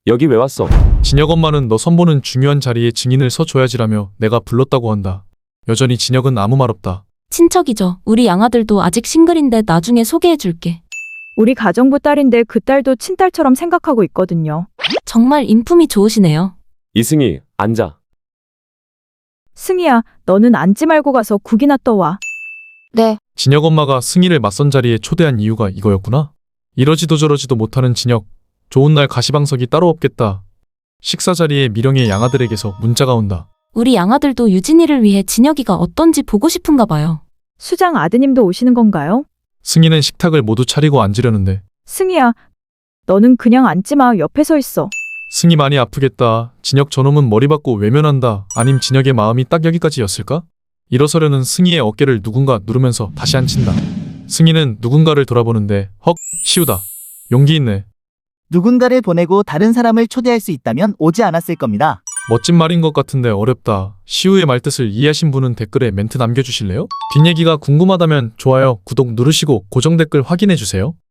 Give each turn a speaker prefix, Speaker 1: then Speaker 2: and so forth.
Speaker 1: 여기 왜 왔어?
Speaker 2: 진혁 엄마는 너 선보는 중요한 자리에 증인을 서줘야지라며 내가 불렀다고 한다. 여전히 진혁은 아무 말 없다.
Speaker 3: 친척이죠. 우리 양아들도 아직 싱글인데 나중에 소개해줄게.
Speaker 4: 우리 가정부 딸인데 그 딸도 친딸처럼 생각하고 있거든요.
Speaker 3: 정말 인품이 좋으시네요.
Speaker 1: 이승희, 앉아.
Speaker 4: 승희야, 너는 앉지 말고 가서 국이나 떠와.
Speaker 5: 네,
Speaker 2: 진혁 엄마가 승희를 맞선 자리에 초대한 이유가 이거였구나. 이러지도 저러지도 못하는 진혁. 좋은 날 가시방석이 따로 없겠다. 식사 자리에 미령의 양아들에게서 문자가 온다.
Speaker 3: 우리 양아들도 유진이를 위해 진혁이가 어떤지 보고 싶은가 봐요.
Speaker 4: 수장 아드님도 오시는 건가요?
Speaker 2: 승희는 식탁을 모두 차리고 앉으려는데
Speaker 4: 승희야, 너는 그냥 앉지 마. 옆에 서 있어.
Speaker 2: 승희 많이 아프겠다. 진혁 저놈은 머리 받고 외면한다. 아님 진혁의 마음이 딱 여기까지였을까? 일어서려는 승희의 어깨를 누군가 누르면서 다시 앉힌다. 승희는 누군가를 돌아보는데 헉, 시우다. 용기 있네.
Speaker 6: 누군가를 보내고 다른 사람을 초대할 수 있다면 오지 않았을 겁니다.
Speaker 2: 멋진 말인 것 같은데 어렵다. 시우의 말뜻을 이해하신 분은 댓글에 멘트 남겨주실래요? 뒷얘기가 궁금하다면 좋아요, 구독 누르시고 고정 댓글 확인해주세요.